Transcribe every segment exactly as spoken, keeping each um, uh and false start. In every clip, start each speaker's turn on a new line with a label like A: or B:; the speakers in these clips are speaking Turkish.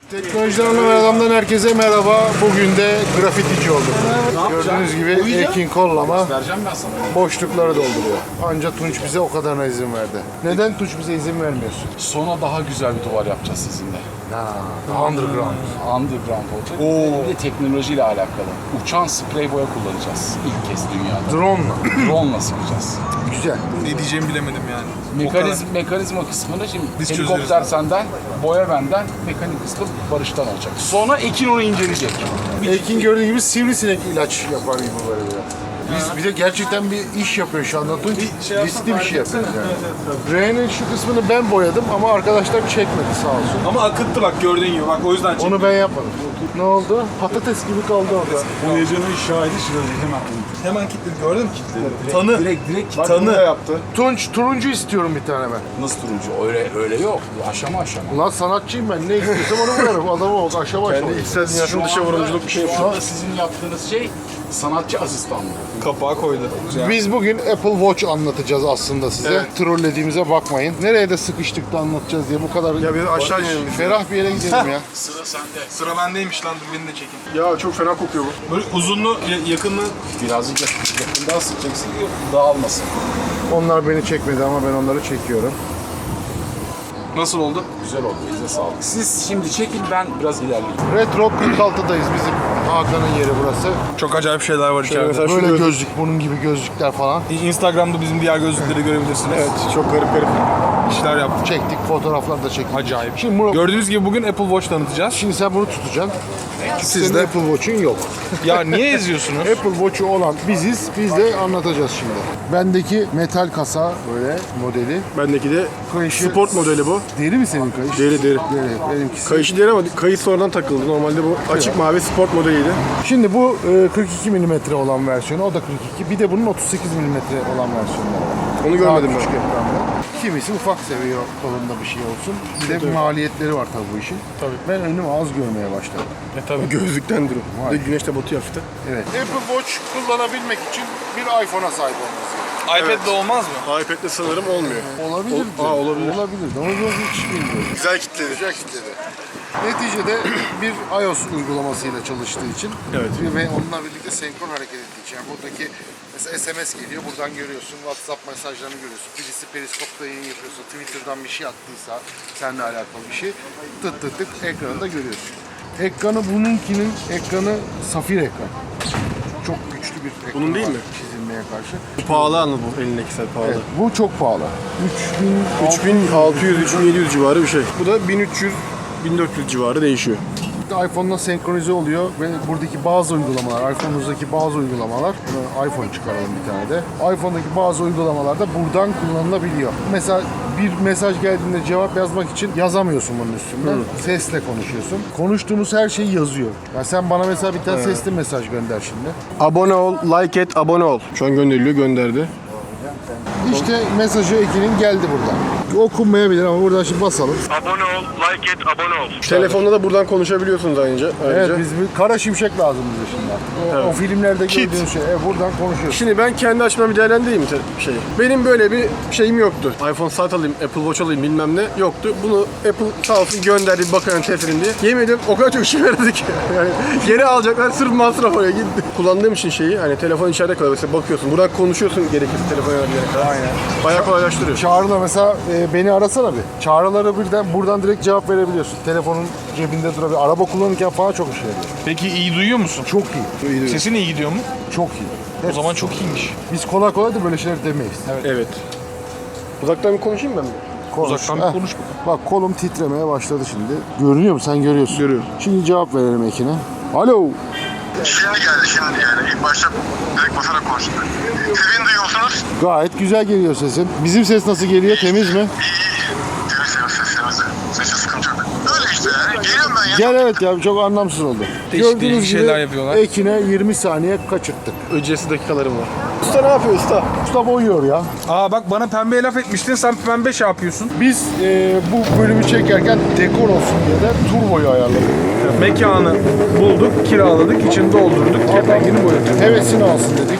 A: Teknolojiden anlamayan adamdan herkese merhaba. Bugün de grafitici olduk. Gördüğünüz gibi Ekin kollama boşlukları dolduruyor. Ancak Tunç bize o kadarına izin verdi. Neden Tunç bize izin vermiyorsun?
B: Sonra daha güzel bir duvar yapacağız sizinle.
A: Ha, underground.
B: Underground olacak. Oo. Bir de teknolojiyle alakalı. Uçan sprey boya kullanacağız ilk kez dünyada.
A: Drone'la.
B: Drone'la sıkacağız.
A: Güzel.
C: Ne diyeceğimi bilemedim yani.
B: Mekanizm, mekanizma kısmını şimdi
C: Biz
B: helikopter
C: çözeriz.
B: senden, boya benden, mekanik kısmı Barış'tan olacak. Sonra Ekin onu inceleyecek.
A: Ekin gördüğü gibi sivrisinek ilaç yapar gibi böyle biraz. Biz bir de gerçekten bir iş yapıyor şu anda Tunç.
C: şey
A: Riskli bir şey yapıyoruz yani. R'nin şu kısmını ben boyadım ama arkadaşlar çekmedi sağ olsun.
C: Ama akıttı bak gördüğün gibi bak o yüzden çektim.
A: Onu ben yapmadım. Ne oldu? Patates gibi kaldı orada.
D: Boyacının şahidi şurada hemen.
C: Hemen kilitledi gördün mü kilitledi? Tanı.
D: Direkt direkt
A: Bak,
C: Tanı.
A: bunu da yaptı. Tunç, turuncu istiyorum bir tane ben.
B: Nasıl turuncu? Öyle öyle yok. Aşama aşama.
A: Ulan sanatçıyım ben. Ne istiyorsam onu vurarım. Adama bak aşağı aşağı.
C: İçsel dünyasının dışı vurumculuk bir şey
B: Şu
C: yapıyor.
B: anda sizin yaptığınız şey sanatçı asistanlığı.
C: Kapağı koydu.
A: Biz bugün Apple Watch anlatacağız aslında size.
C: Evet.
A: Trollediğimize bakmayın. Nereye de sıkıştık da anlatacağız diye bu kadar...
C: Ya bir aşağı inelim.
A: Ferah bir yere gidelim ya.
B: Sıra sende.
C: Sıra bendeymiş lan dur beni de çekin. Ya çok fena kokuyor bu. Böyle uzunlu, ya- yakınlı.
B: Birazcık yakından sıkacaksın ki dağılmasın.
A: Onlar beni çekmedi ama ben onları çekiyorum.
C: Nasıl oldu?
B: Güzel oldu. Bize sağlık. Siz şimdi çekin, ben biraz ilerleyeyim.
A: Retro kırk altıdayız bizim Hakan'ın yeri burası.
C: Çok acayip şeyler var içeride.
A: Mesela böyle gözlük, bunun gibi gözlükler falan.
C: Instagram'da bizim diğer gözlükleri görebilirsiniz. Evet çok garip garip işler yaptık.
A: Çektik, fotoğraflar da çektik.
C: Acayip.
A: Şimdi, bunu,
C: Gördüğünüz gibi bugün Apple Watch tanıtacağız.
A: şimdi sen bunu tutacaksın. Senin
C: de.
A: Apple Watch'un yok.
C: Ya niye eziyorsunuz?
A: Apple Watch'u olan biziz, biz de anlatacağız şimdi. Bendeki metal kasa böyle modeli.
E: Bendeki de
A: Kayışı,
E: sport modeli bu.
A: Deri mi senin kayış?
E: Deri deri.
A: Deri, benimkisi.
E: Kayışı deri ama kayıt sonradan takıldı. Normalde bu açık mavi sport modeliydi.
A: Şimdi bu e, kırk iki milimetre olan versiyonu, o da kırk iki. Bir de bunun otuz sekiz milimetre olan versiyonları var.
E: Onu görmedim
A: Daha küçük
E: ben.
A: ekranda. Kimisi ufak seviyor kolunda bir şey olsun. Bir de maliyetleri var tabii bu işin. Tabii. Ben önümü az görmeye başladım.
E: E tabii gözlükten durun.
A: Vay.
E: Bir de güneş de batıyor hafifte.
A: Evet. Apple Watch kullanabilmek için bir iPhone'a sahip olması gerekiyor.
C: iPad'de olmaz mı?
E: iPad'le sanırım olmuyor.
A: Olabilir.
E: Ol- Aa, olabilir.
A: Olabilir. Onu yok hiç bilmiyorum.
E: Güzel kitledi.
A: Güzel kitledi. Neticede bir iOS uygulamasıyla çalıştığı için
E: Evet.
A: ve onunla birlikte senkron hareket ettiği için. Yani buradaki mesela S M S geliyor, buradan görüyorsun, WhatsApp mesajlarını görüyorsun. Birisi periskopta yayın yapıyorsa, Twitter'dan bir şey attıysa, seninle alakalı bir şey, tık tık tık ekranında görüyorsun. Ekranı bununkinin ekranı safir ekran. Çok güçlü bir ekran.
E: Bunun değil
A: var
E: mi?
A: çizilmeye karşı.
E: Pahalı anı bu elindeki set pahalı.
A: Evet, bu çok pahalı.
E: üç bin altı yüz üç bin yedi yüz civarı bir şey. Bu da bin üç yüz bin dört yüz civarı değişiyor.
A: iPhone'la senkronize oluyor ve buradaki bazı uygulamalar, iPhone'unuzdaki bazı uygulamalar, buna iPhone çıkaralım bir tane de. iPhone'daki bazı uygulamalar da buradan kullanılabiliyor. Mesela bir mesaj geldiğinde cevap yazmak için yazamıyorsun bunun üstünde. Sesle konuşuyorsun. Konuştuğumuz her şeyi yazıyor. Yani sen bana mesela bir tane sesli mesaj gönder şimdi.
E: Abone ol, like et, abone ol. Şu an gönderiliyor, gönderdi.
A: İşte mesajı Ekin'in geldi buradan. Okunmayabilir ama buradan şimdi basalım.
F: Abone ol, like et, abone ol.
E: Telefonda da buradan konuşabiliyorsunuz ayrıca.
A: Evet,
E: ayrıca.
A: biz bir kara şimşek lazım bize şimdi artık. O, o filmlerde
E: Kit.
A: gördüğün şey. Evet, buradan konuşuyorsun.
E: Şimdi ben kendi açımdan bir değerlendireyim mi te- şeyi? Benim böyle bir şeyim yoktu. iPhone saat alayım, Apple Watch alayım bilmem ne yoktu. Bunu Apple sağ olsun gönderdi bir bakalım test edin diye. Yemin ediyorum o kadar çok işe yaradı ki. Yani geri alacaklar sırf masraf oraya gitti. Kullandığım için şeyi hani telefon içeride kalıyor. Mesela bakıyorsun. Buradan konuşuyorsun gerekirse telefona yönelene kadar. Aynen. Bayağı kolaylaştırıyor.
A: Çağrı'la mesela e, beni arasana bir. Çağrılara birden buradan direkt cevap verebiliyorsun. Telefonun cebinde durabilir. Araba kullanırken falan çok işe yarıyor.
C: Peki iyi duyuyor musun?
A: Çok iyi.
E: İyi diyor.
C: Sesin iyi gidiyor mu?
A: Çok iyi.
C: O zaman çok iyiymiş.
A: Biz kolay kolay da böyle şeyler demeyiz. Evet.
E: Evet. Uzaktan bir konuşayım ben mi?
A: Konuş.
C: Uzaktan bir
A: Heh.
C: konuş bakalım.
A: Bak kolum titremeye başladı şimdi. Görünüyor mu? Sen görüyorsun.
E: Görüyorum.
A: Şimdi cevap verelim Ekin'e. Alo.
F: Şimdi geldi, şimdi yani. İlk başta direkt basarak konuştum. Siz beni duyuyorsunuz.
A: Gayet güzel geliyor sesin. Bizim ses nasıl geliyor? Temiz mi?
F: İyi, iyi. Temiz temiz seslerinizi. Sesi sıkıntı yok. Öyle işte yani. Geliyorum ben ya.
A: Gel evet ya çok anlamsız oldu.
C: Değişik değişik şeyler yapıyorlar.
A: Ekin'e yirmi saniye kaçırttık.
E: Öncesi dakikalarım var. Usta ne yapıyor usta?
A: Usta boyuyor ya.
C: Aa bak bana pembe laf etmiştin, sen pembe şey yapıyorsun.
A: Biz e, bu bölümü çekerken dekor olsun diye de turboyu ayarladık.
C: Mekanı bulduk, kiraladık, içini doldurduk, kepengini boyadık.
A: Hevesini alsın dedik.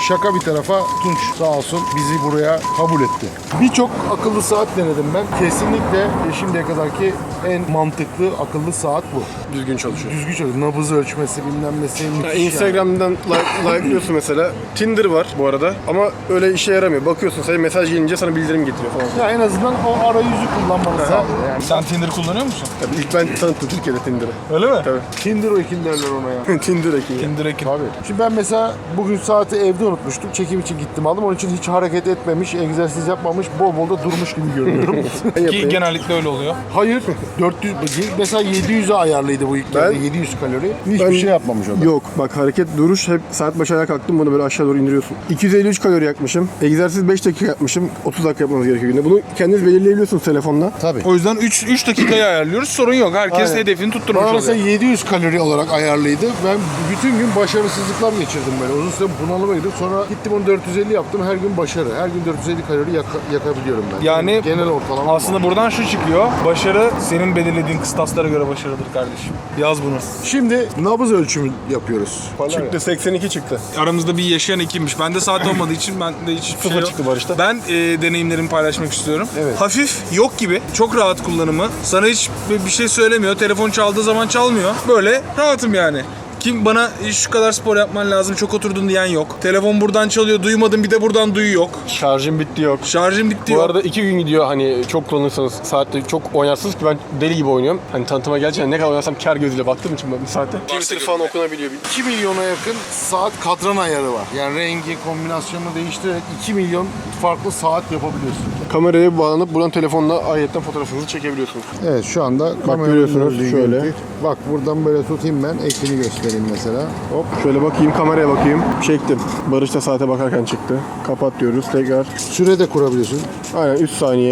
A: şaka bir tarafa Tunç sağ olsun bizi buraya kabul etti. Birçok akıllı saat denedim ben. Kesinlikle şimdiye kadarki en mantıklı akıllı saat bu.
E: Düzgün çalışıyor.
A: Düzgün çalışıyor. Nabız ölçmesi bilmem nesi
E: Ya
A: müthiş yani.
E: Instagram'dan like, like'lıyorsun mesela. Tinder var bu arada ama öyle işe yaramıyor. Bakıyorsun sadece mesaj gelince sana bildirim getiriyor falan.
A: Ya en azından o arayüzü kullanmanı sağlıyor yani.
C: Sen Tinder kullanıyor musun?
E: Tabii ilk ben tanıttım Türkiye'de Tinder'ı.
C: Öyle mi?
E: Tabii.
A: Tinder o ekin derler ona ya.
E: Tinder ekibi.
C: Tinder ekin.
A: Tabii. Şimdi ben mesela bugün saati evde unutmuştum. Çekim için gittim aldım. Onun için hiç hareket etmemiş, egzersiz yapmamış, bol bol da durmuş gibi görünüyorum.
C: Ki genellikle öyle oluyor.
A: Hayır. dört yüz mesela yedi yüze ayarlıydı bu ilk
E: Ben-
A: geldi. yedi yüz kalori. Hiçbir
E: Ben-
A: şey yapmamış o da.
E: Yok bak hareket duruş hep saat başı ayağa kalktım bunu böyle aşağı doğru indiriyorsun. iki yüz elli üç kalori yakmışım. Egzersiz beş dakika yapmışım. otuz dakika yapmanız gerekiyor günde. Bunu kendiniz belirleyebiliyorsunuz telefonla.
A: Tabii.
C: O yüzden üç dakikayı ayarlıyoruz. Sorun yok. Herkes
A: Aynen.
C: hedefini tutturmuş
A: Bana mesela
C: oluyor.
A: yedi yüz kalori olarak ayarlıydı. Ben bütün gün başarısızlıklar geçirdim böyle. Uzun süre bunalıma girdim. Sonra gittim onu dört yüz elli yaptım. Her gün başarı. Her gün dört yüz elli kalori yaka- yakabiliyorum ben.
C: Yani
A: genel ortalama.
C: Aslında buradan şu çıkıyor. Başarı senin belirlediğin kıstaslara göre başarıdır kardeşim. Yaz bunu.
A: Şimdi nabız ölçümü yapıyoruz.
E: Çıktı seksen iki çıktı.
C: Aramızda bir yaşayan ekimmiş. Bende saat olmadığı için ben de hiçbir şey
E: Sıfır
C: yok.
E: çıktı Barış'ta.
C: Ben e, deneyimlerimi paylaşmak istiyorum.
A: Evet.
C: Hafif, yok gibi. Çok rahat kullanımı. Sana hiç bir bir şey söylemiyor. Telefon çaldığı zaman çalmıyor. Böyle rahatım yani. Kim bana şu kadar spor yapman lazım, çok oturdun diyen yok. Telefon buradan çalıyor, duymadım, bir de buradan duyu yok.
E: Şarjım bitti yok.
C: Şarjım bitti
E: Bu
C: yok.
E: arada iki gün gidiyor hani çok kullanırsanız saatte çok oynarsınız ki ben deli gibi oynuyorum. Hani tanıtıma gerçekten ne kadar oynarsam kar gözüyle baktığım için ben bir saatte. Twitter falan okunabiliyor.
A: iki milyona yakın saat kadran ayarı var. Yani rengi, kombinasyonunu değiştirerek iki milyon farklı saat yapabiliyorsun.
E: Kameraya bağlanıp buradan telefonla ayetten fotoğrafınızı çekebiliyorsunuz.
A: Evet şu anda kameranın
E: görüyorsunuz,
A: gördüğü
E: şöyle.
A: görüntü. Bak buradan böyle tutayım ben, ekini göstereyim mesela. Hop.
E: Şöyle bakayım kameraya bakayım. Çektim. Barış da saate bakarken çıktı. Kapat diyoruz tekrar.
A: Süre de kurabiliyorsun.
E: Aynen üç saniye.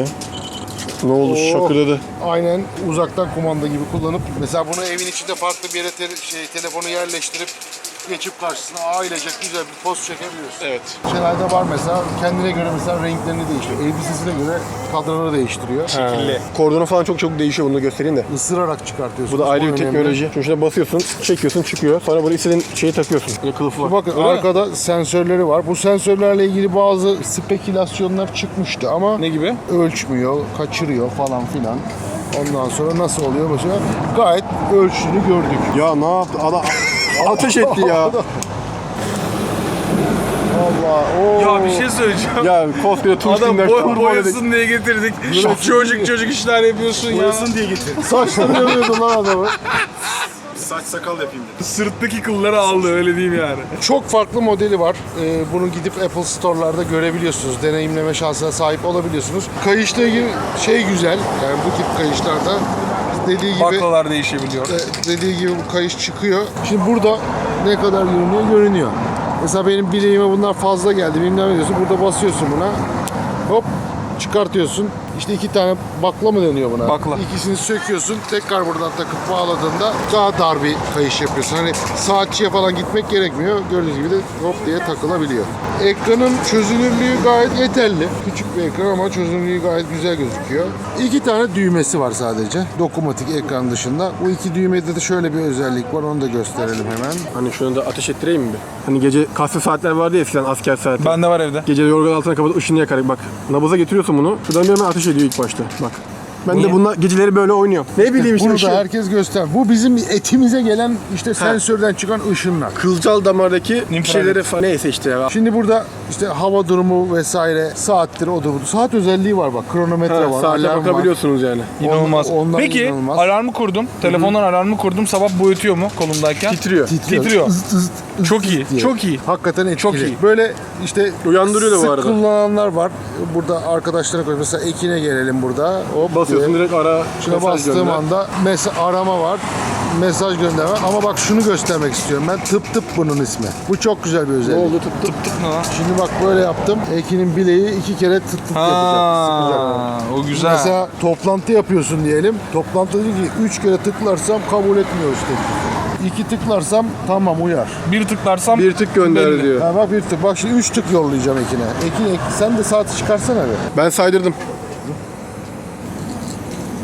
E: Ne oldu
A: Oo.
E: şakırdadı.
A: Aynen uzaktan kumanda gibi kullanıp mesela bunu evin içinde farklı bir yere te- şey, telefonu yerleştirip geçip karşısına ailecek güzel bir poz çekebiliyorsun.
E: Evet.
A: Şeylerde var mesela kendine göre mesela renklerini değiştiriyor. Elbisesine göre kadranı değiştiriyor.
C: Kirli.
E: Kordonu falan çok çok değişiyor, bunu da göstereyim de.
A: Isırarak çıkartıyorsun.
E: Bu da ayrı bir
A: önemli.
E: teknoloji. Şimdi şuna basıyorsun, çekiyorsun, çıkıyor. Sonra buraya istediğin şeyi takıyorsun. Bir kılıfı var.
A: Bakın arkada sensörleri var. Bu sensörlerle ilgili bazı spekülasyonlar çıkmıştı ama
C: Ne gibi?
A: ölçmüyor, kaçırıyor falan filan. Ondan sonra nasıl oluyor mesela? Gayet ölçtüğünü gördük.
E: Ya ne yaptı? Adam ateş etti ya.
A: Allah. Oo.
C: Ya bir şey söyleyeceğim.
E: Ya koskoca Tunç
C: Adam
E: Dinler
C: boy,
E: kurban
C: boyasın diye getirdik. Çocuk çocuk işler yapıyorsun ya.
A: diye getir. Saçları yanıyordu lan adamı.
C: Saç sakal yapayım dedi. Sırttaki kılları aldı, öyle diyeyim yani.
A: Çok farklı modeli var. Ee, bunu gidip Apple Store'larda görebiliyorsunuz. Deneyimleme şansına sahip olabiliyorsunuz. Kayışla ilgili şey güzel. Yani bu tip kayışlarda dediği gibi
C: Baklalar değişebiliyor.
A: e, dediği gibi bu kayış çıkıyor. Şimdi burada ne kadar görünüyor? Görünüyor. Mesela benim bileğime bunlar fazla geldi. Bilmem ne diyorsun. Burada basıyorsun buna. Hop çıkartıyorsun. İşte iki tane bakla mı deniyor buna?
C: Bakla.
A: İkisini söküyorsun. Tekrar buradan takıp bağladığında daha dar bir kayış yapıyorsun. Hani saatçiye falan gitmek gerekmiyor. Gördüğünüz gibi de hop diye takılabiliyor. Ekranın çözünürlüğü gayet yeterli. Küçük bir ekran ama çözünürlüğü gayet güzel gözüküyor. İki tane düğmesi var sadece. Dokunmatik ekran dışında. Bu iki düğmede de şöyle bir özellik var. Onu da gösterelim hemen.
E: Hani şunu da ateş ettireyim mi bir? Hani gece kaslı saatler vardı ya eskiden asker saati.
C: Bende var evde.
E: Gece yorgan altına kapatıp ışını yakarak bak. Nabaza getiriyorsun bunu. Şuradan bir hemen ateş ediyor ilk başta. Bak. Ben
C: Niye?
E: de bununla geceleri böyle oynuyorum. Ne bileyim işte
A: Bunu
E: ışın.
A: da herkes göster. Bu bizim etimize gelen işte sensörden çıkan ışınlar.
E: Kılcal damardaki
C: İnfrared.
E: şeyleri falan. Neyse işte ya.
A: Şimdi burada işte hava durumu vesaire, saattir, odur budur. Saat özelliği var bak. Kronometre
E: Ha,
A: var,
E: saate
A: alarm var.
E: bakabiliyorsunuz yani.
C: İnanılmaz.
A: On- ondan
C: Peki
A: inanılmaz.
C: alarmı kurdum. Telefondan alarmı kurdum. Sabah boyutuyor mu kolumdayken?
E: Titriyor.
C: Titriyor.
A: Zıt zıt zıt
C: Çok
A: zıt
C: iyi,
A: diye.
C: çok iyi.
A: Hakikaten etkili.
C: Çok iyi.
A: Böyle işte
E: Uyandırıyor da bu
A: sık
E: arada.
A: kullananlar var. Burada arkadaşlara koy. Mesela Ekin'e gelelim burada. Hop
E: Basıyorsun
A: diye.
E: direkt ara.
A: Şuna
E: mesaj
A: bastığım
E: gönder.
A: anda mes- arama var. Mesaj gönderme. Ama bak şunu göstermek istiyorum ben. Tıp tıp bunun ismi. Bu çok güzel bir
E: Ne
A: özellik.
E: oldu tıp tıp.
C: Tık ne lan?
A: Şimdi bak böyle yaptım. Ekin'in bileği iki kere tık tık yapacak. Sıkacak.
C: Ha, o güzel.
A: Mesela toplantı yapıyorsun diyelim. Toplantıda diyor ki üç kere tıklarsam kabul etmiyor işte. İki tıklarsam tamam uyar.
C: bir tıklarsam
E: Bir tık gönder
C: belli.
E: diyor.
A: Ha bak bir tık. Bak şimdi üç tık yollayacağım Ekin'e. Ekin, Ekin sen de saati çıkarsana be.
E: Ben saydırdım.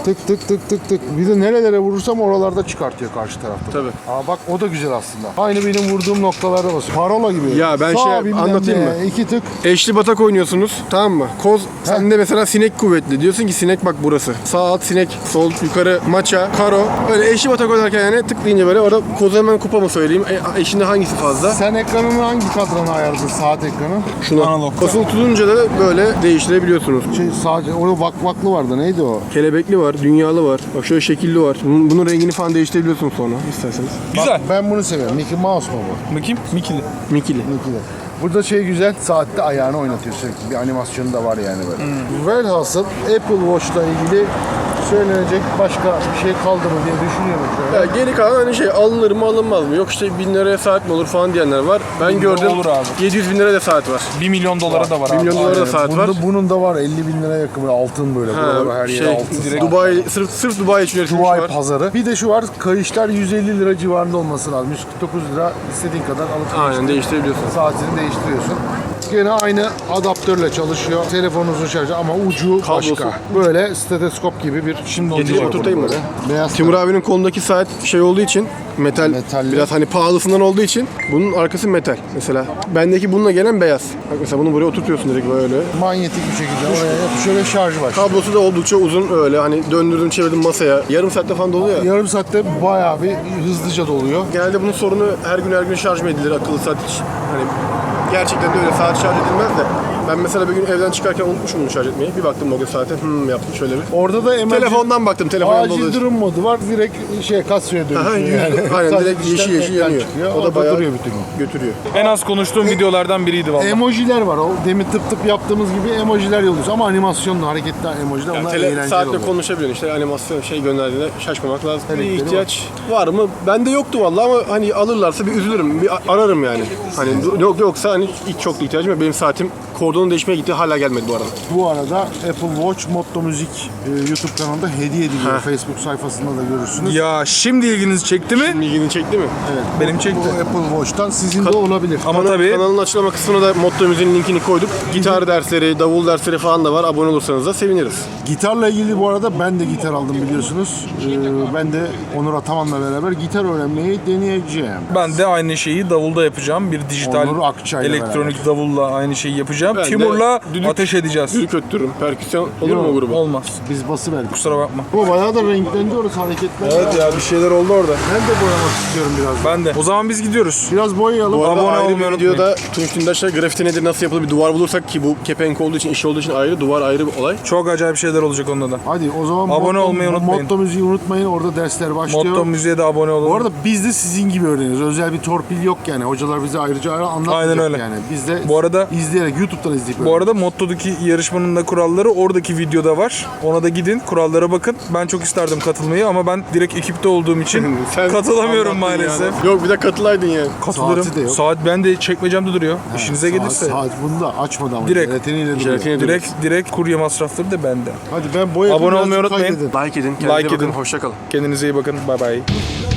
A: Tık tık tık tık tık. Bir de nerelere vurursam oralarda çıkartıyor karşı tarafta.
E: Tabii.
A: Aa bak o da güzel aslında. Aynı benim vurduğum noktalarda basıyor. Parola gibi.
E: Ya ben
A: Sağ
E: şey
A: bilmem
E: anlatayım
A: ne,
E: mı?
A: İki tık.
E: Eşli batak oynuyorsunuz, tamam mı? Koz sende mesela sinek kuvvetli. Diyorsun ki sinek bak burası. Sağ alt sinek, sol yukarı maça, karo. Öyle eşli batak oynarken yani tıklayınca böyle orada kozu hemen kupa mı söyleyeyim? E, eşinde hangisi fazla?
A: Sen ekranını hangi kadrana ayarladın saat ekranı?
E: Şuna.
C: Analog.
E: Basılı tutunca da böyle değiştirebiliyorsunuz.
A: Şey sadece orada vakvaklı vardı neydi o?
E: Kelebekli var, dünyalı var. Bak şöyle şekilli var. Bunun, bunun rengini falan değiştirebiliyorsun sonra isterseniz.
C: Güzel.
A: Ben bunu seviyorum. Mickey Mouse mu bu?
C: Bakayım. Mikili.
E: Mikili.
A: Mickey'de. Burada şey güzel, saatte ayağını oynatıyor sürekli. Bir animasyonu da var yani böyle.
C: Hmm.
A: Velhasıl Apple Watch'la ilgili söylenecek başka bir şey kaldı mı diye düşünüyorum şöyle.
E: Ya geri kalan hani şey alınır mı alınmaz mı? Yok işte bin liraya saat mi olur falan diyenler var. Ben gördüm
C: olur abi.
E: yedi yüz bin liraya da saat var.
C: bir milyon dolara da var
E: bir
C: abi.
E: milyon dolara da
A: Evet,
E: saat
A: bunda,
E: var.
A: Bunun da var elli bin liraya yakın böyle altın böyle. Buralar her
E: Ha,
A: yeri
E: şey,
A: altın.
E: Dubai, sırf, sırf Dubai için üretilmiş
A: Dubai
E: var.
A: pazarı. Bir de şu var, kayışlar yüz elli lira civarında olması lazım. yüz kırk dokuz lira istediğin kadar alıp
E: Aynen değiştirebiliyorsun.
A: saatini değiştiriyorsun. Gene aynı adaptörle çalışıyor. Telefonunuzun şarjı ama ucu
E: Kablosu.
A: başka. Böyle steteskop gibi bir şimdi
E: Getirip oturtayım mı?
A: Beyaz
E: Timur abinin kolundaki saat şey olduğu için metal,
A: Metalli.
E: biraz hani pahalısından olduğu için bunun arkası metal. Mesela bendeki bununla gelen beyaz. Bak mesela bunu buraya oturtuyorsun direkt böyle.
A: manyetik bir şekilde oraya yapışıyor ve şarjı var.
E: Kablosu da oldukça uzun öyle hani döndürdüm çevirdim masaya. Yarım saatte falan doluyor ya.
A: Yarım saatte bayağı bir hızlıca doluyor.
E: Genelde bunun sorunu her gün her gün şarj mı edilir akıllı saat hiç. Hani gerçekten de öyle saat şarj edilmez de. Ben mesela bir gün evden çıkarken unutmuşum bunu şarj etmeyi. Bir baktım o gün saate hmm yaptım şöyle bir.
A: Orada da emergency-
E: Telefondan baktım telefondan
A: acil
E: doluyor.
A: durum modu var. Direkt şey kasaya
E: Aha,
A: dönüşüyor yani.
E: aynen
A: Sadece
E: direkt yeşil
A: dıştan
E: yeşil
A: ekran
E: yanıyor.
A: çıkıyor.
E: O da bayağı
A: duruyor bütün gün.
E: götürüyor.
C: En az konuştuğum videolardan biriydi vallahi.
A: Emojiler var. O demin tıp tıp yaptığımız gibi emojiler yolluyoruz ama animasyonlu hareketli emojiler
E: Yani
A: onlar
E: tele,
A: eğlenceli
E: saatle
A: oluyor.
E: konuşabiliyorsun işte animasyon şey gönderdiğinde şaşmamak lazım. Bir
A: Elektriği
E: ihtiyaç var. mı? Bende yoktu vallahi ama hani alırlarsa bir üzülürüm. Bir a- ararım yani. Hani yok yoksa hani hiç çok da ihtiyacım yok. Benim saatim kordonu değişmeye gitti hala gelmedi bu arada.
A: Bu arada Apple Watch Motto Müzik e, YouTube kanalında hediye ediliyor.
E: Ha.
A: Facebook sayfasında da görürsünüz.
C: Ya şimdi ilginizi çekti mi?
E: İlgini çekti mi?
A: Evet.
C: Benim
A: bu,
C: çekti.
A: Bu Apple Watch'tan sizin de olabilir.
C: Ama
E: Kanal-
C: tabii
E: Kanalın açıklama kısmına da Motto Müziğin linkini koyduk. Gitar dersleri, davul dersleri falan da var. Abone olursanız da seviniriz.
A: Gitarla ilgili bu arada ben de gitar aldım biliyorsunuz. Ee, ben de Onur Ataman'la beraber gitar öğrenmeyi deneyeceğim.
C: ben de aynı şeyi davulda yapacağım. Bir dijital
A: Onur Akçay'la
C: elektronik davulla aynı şeyi yapacağım.
E: Ben de
C: Timur'la
E: düdük-
C: ateş edeceğiz.
E: Düdük öttürürüm. Perküsyon olur mu o gruba?
C: Olmaz.
A: Biz bası verdik.
C: Kusura bakma.
A: Bu bayağı da renklendi orası hareketler.
E: Evet ya bir şeyler oldu orada.
A: Ben de boyamak istiyorum biraz.
C: Ben de. O zaman biz gidiyoruz.
A: Biraz boyayalım.
E: Bu arada
C: Abone
E: ayrı
C: olmayı
E: bir
C: unutmayın.
E: videoda Tunç Dündaş'la grafiti nedir, nasıl yapılır bir duvar bulursak ki bu kepenk olduğu için, iş olduğu için ayrı, duvar ayrı bir olay.
C: Çok acayip şeyler olacak onda da.
A: Hadi o zaman
C: Abone
A: Motto-
C: olmayı unutmayın.
A: Motto Müziği unutmayın. Orada dersler başlıyor.
C: Motto müziğe de abone olun.
A: Bu arada biz de sizin gibi öğreniyoruz. Özel bir torpil yok yani. Hocalar bize ayrıca ayrı anlatmayacak
C: Aynen öyle.
A: yani. Biz de
C: Bu arada-
A: izleyerek, YouTube'dan izleyip
C: Bu arada Motto'daki yarışmanın da kuralları oradaki videoda var. Ona da gidin, kurallara bakın. Ben çok isterdim katılmayı ama ben direkt ekipte olduğum için
E: Sen
C: katılamıyorum
E: anlattın
C: maalesef.
E: yani. Yok bir de katılaydın yani.
C: Katılırım.
A: Saati de yok.
C: Saat ben de çekmecemde duruyor. İşinize
A: saat,
C: gelirse.
A: Saat bunu da açmadı ama.
C: Direkt.
A: Jelatiniyle duruyor.
E: Jelatini-
C: Direkt direkt kurye masrafları da bende.
A: Hadi ben boyayıp
C: Abone
A: birazcık
C: olmayı unutmayın.
A: kaydedin.
E: Like edin, kendinize
C: Like
E: bakın,
C: edin.
E: hoşça kalın.
C: Kendinize iyi bakın. Bay bay.